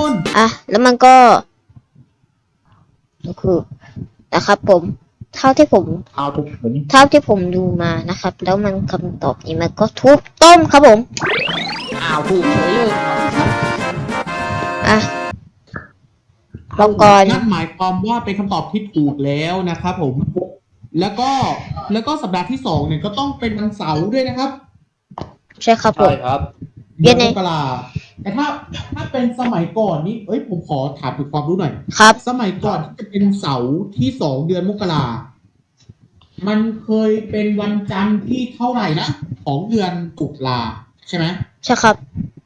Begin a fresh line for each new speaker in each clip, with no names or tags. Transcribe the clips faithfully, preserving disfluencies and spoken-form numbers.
คน
อ่ะแล้วมันก็คือนะครับผมเท่าที่ผม
เอาทุกคน
เท่าที่ผมดูมานะครับ แล้วมันคำตอบนี้มันก็ทุบต้มครับผม
อ้าวถูกเฉยเลย
อ่ะเราก่อน
นั่นหมายความว่าเป็นคำตอบที่ถูกแล้วนะครับผมแล้วก็แล้วก็สัปดาห์ที่สองเนี่ยก็ต้องเป็นวันเสาร์ด้วยนะครับ
ใช่ครับผ
ใช่
ม
ครับ
เย็นไง
มกราแต่ถ้าถ้าเป็นสมัยก่อนนี่เอ้ยผมขอถามถึงความรู้หน่อย
ครับ
สมัยก่อนที่จะเป็นเสาร์ที่สองเดือนมกรามันเคยเป็นวันจันทร์ที่เท่าไหร่นะของเดือนตุลาใช่ไหม
ใช่ครับ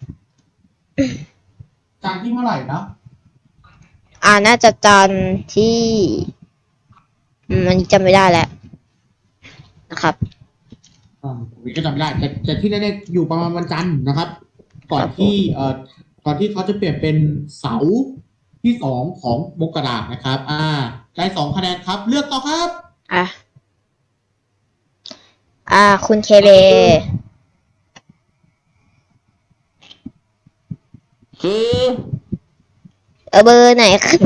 จันทร์ที่เท่าไหร่นะ
อ่าน่าจะจันทร์ที่อืมอันนี้จำไม่ได้แล้วนะครับ
อ่าผมก็จำไม่ได้แต่แต่ที่แน่ๆอยู่ประมาณวันจันทร์นะครับ ก่อนที่เอ่อก่อนที่เขาจะเปลี่ยนเป็นเสาร์ที่สองของมกรานะครับ อ่าได้สองคะแนนครับ เลือกต่อครับ
อ่ะ อ่า คุณเคเบ
คือ
เออเบอร์ไหนครับ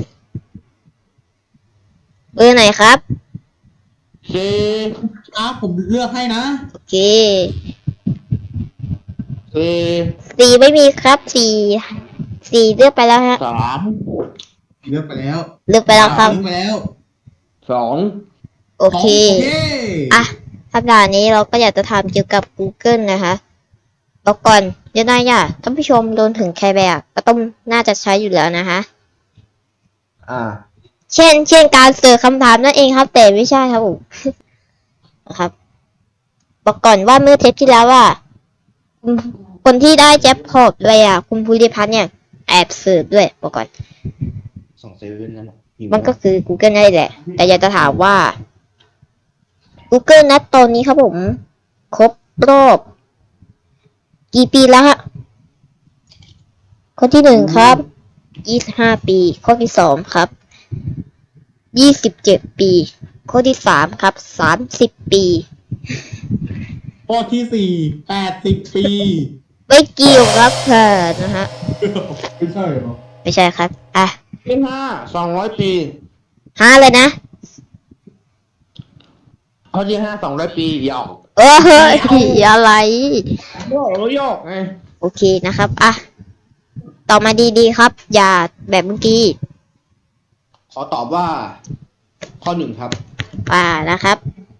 เบอร์ไหนครับ
คือ
ครับผมเลือกให้นะ
โอเค
คือ
สี่ไม่มีครับสี่สี่เลือกไปแล้วฮะ
สาม
เลือกไปแล้ว
เลือกไปแล้วครับ
เลือกไปแล้ว
สอง
โอเค
โอเค
อ่ะสัปดาห์นี้เราก็อยากจะถามเกี่ยวกับ Google นะคะแล้วก่อนเดี๋ยวนายอ่ะท่านผู้ชมโดนถึงแคร์แบกก็ต้องน่าจะใช้อยู่แล้วนะคะ
อ่า
เช่น เช่นการเสิร์ชคำถามนั่นเองครับ แต่ไม่ใช่ครับผม นะครับบอกก่อนว่าเมื่อเทปที่แล้วว่าคุณคนที่ได้แจ็คพอตไปอ่ะ คุณภูริพัฒน์เนี่ยแอบเสิร์ชด้วยบอกก่อน
สองเซเว่นนั่นแหละ
มันก็คือ Google นั่นแหละ แต่อยากจะถามว่า Google นัดตอนนี้ครับผม ครบรอบ กี่ปีแล้วฮะ ข้อที่หนึ่งครับ ยี่สิบห้า ปี ข้อที่สองครับ ยี่สิบเจ็ด ปี ข้อที่สามครับ สามสิบ ปี
ข้อที่สี่แปดสิบปี
ไม่เกี่ยวครับเพื่อนนะฮะ
ไม่ใช่เหรอ
ไม่ใช่ครับ อ่ะ
ที่ห้าสองร้อยปี
ห้าเลยนะ
ข้อที่ห้าสองร้อยปีหยอก
เออเฮ้ยอะไร
โยกโยกไง
โอเคนะครับ อ่ะ ต่อมาดีๆครับ อย่าแบบเมื่อกี้
ขอตอบว่า ข้อหนึ่งครับ
อ่านะครับ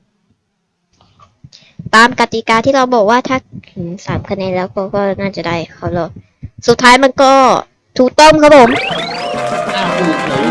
ตามกติกาที่เราบอกว่าถ้าถึงสามคะแนนแล้วก็ก็น่าจะได้เขารอบสุดท้ายมันก็ถูกต้องครับผม
อ้าวถูกเฉย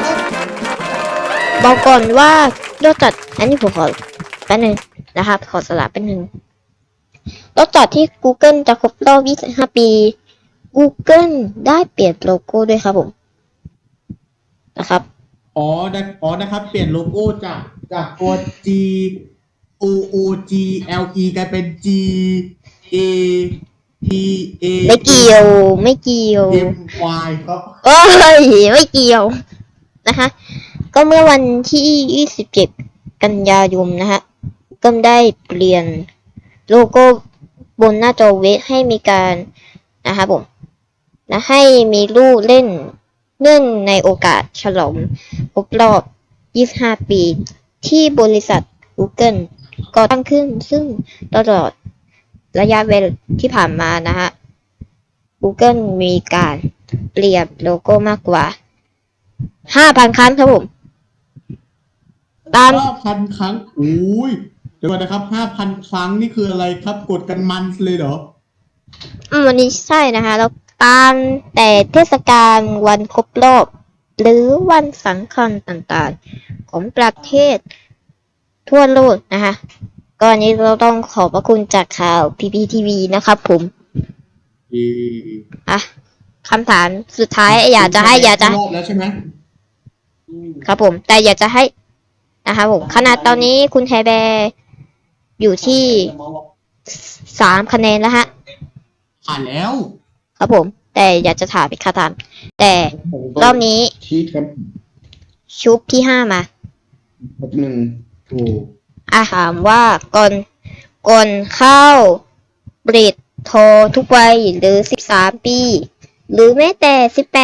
บอกก่อนว่านอกจากอันนี้ผมขอแป๊บนึงนะครับ ขอสลับแป๊บนึงนอกจากที่ Google จะครบรอบยี่สิบห้า ปี Google ได้เปลี่ยนโลโก้ด้วยครับผมนะครับ
อ๋อได้อ๋อนะครับ เปลี่ยนโลโก้จากจากตัว G O O G L E กลายเป็น G A T A
ไม่เกี่ยวไม่เกี่ยว
M Y ครับ
โอ้ยไม่เกี่ยวนะคะ ก็เมื่อวันที่ยี่สิบเจ็ดกันยายนนะฮะก็ได้เปลี่ยนโลโก้บนหน้าจอเว็บให้มีการนะคะผมนะให้มีรูปเล่นเนื่องในโอกาสฉลองครบรอบยี่สิบห้า ปีที่บริษัท Google ก่อตั้งขึ้นซึ่งตลอดระยะเวลาที่ผ่านมานะฮะ Google มีการเปลี่ยนโลโก้มากกว่า ห้าพัน ครั้งครับผม ตาม
ห้าพันครั้งอุ้ยเดี๋ยวก่อนนะครับห้าพันครั้งนี่คืออะไรครับ กดกันมันเลยเหรอ
อืมวันนี้ใช่นะคะแล้วตามแต่เทศกาลวันครบรอบ หรือวันสำคัญต่างๆ ของประเทศทั่วโลกนะคะก็อันนี้เราต้องขอบพระคุณจากข่าว พี พี ที วี นะครับผม
เอ่อ
อ่ะคำถามสุดท้ายอยากจะให้อยากจะ
รอบแล้วใช่ไหม
ครับผม แต่อยากจะให้นะคะผมขนาดตอนนี้คุณแฮแบร์อยู่ที่สามคะแนนแล้วฮะ
ผ่านแล้ว
ครับผม แต่อยากจะถามอีกคำถามแต่รอบนี้
ชีทครับ
ชุบที่ห้ามา
หนึ่ง
โอ้
อาถามว่าก่อนก่อนเข้าบริดโทรทุกวัยหรือสิบสามปี หรือแม้แต่สิบแปด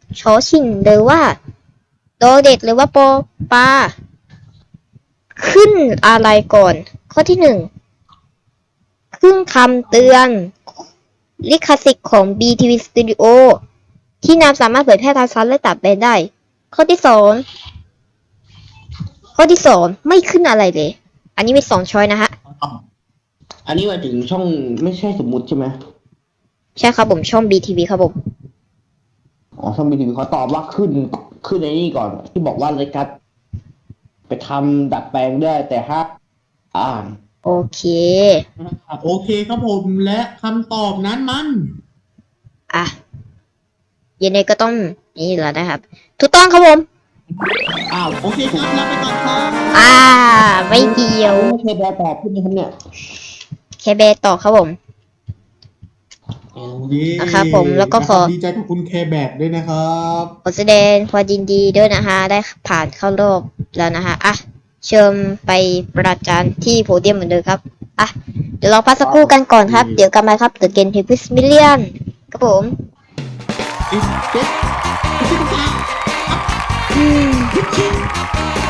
ชอชิงหรือว่าโดเด็กหรือว่าปอปลาขึ้นอะไรก่อน ข้อที่หนึ่งขึ้นคำเตือนลิขสิทธิ์ของ บี ที วี Studio ที่นำสามารถเผยแพร่ทางซ้อนและตัดแบนได้ ข้อที่สองข้อที่สองไม่ขึ้นอะไรเลย อันนี้มีสองช้อยนะฮะ
อันนี้หมายถึงช่องไม่ใช่สมมุติใช่ไหม
ใช่ครับผมช่อง บี ที วี ครับผม
อ๋อช่องบีทีวีเขาตอบว่าขึ้นขึ้นในนี่ก่อน ที่บอกว่ารายการไปทำดัดแปลงได้แต่ถ้าอ่าน
โอเค
ครับโอเคครับผมและคำตอบนั้นมัน
อ่ะยังไงก็ต้องนี่แหละนะครับ ถูกต้องครับผม
อ้าวโอเคครับรับไปก่อนครับ
อ่า ไม่เกี่ยว
ไม่ใช่แปลตอบขึ้นนะครับเนี่ย
แค่เบสต่อครับผม
โอเค
นะครับผมแล้วก็ขอ
ดีใจกับคุณเคแบกด้วยนะครับ
ขอแสดงความยินดีด้วยนะคะ ได้ผ่านเข้ารอบแล้วนะคะอ่ะเชิญไปประจานที่โพเดียมเหมือนเดิมครับอ่ะเดี๋ยวเราพักสักครู่กันก่อนครับ เดี๋ยวกลับมาครับ The Game Tapes Million ครับผม
เอ๊ะเอ๊ะเอ๊ะ
อืม
เอ๊ะ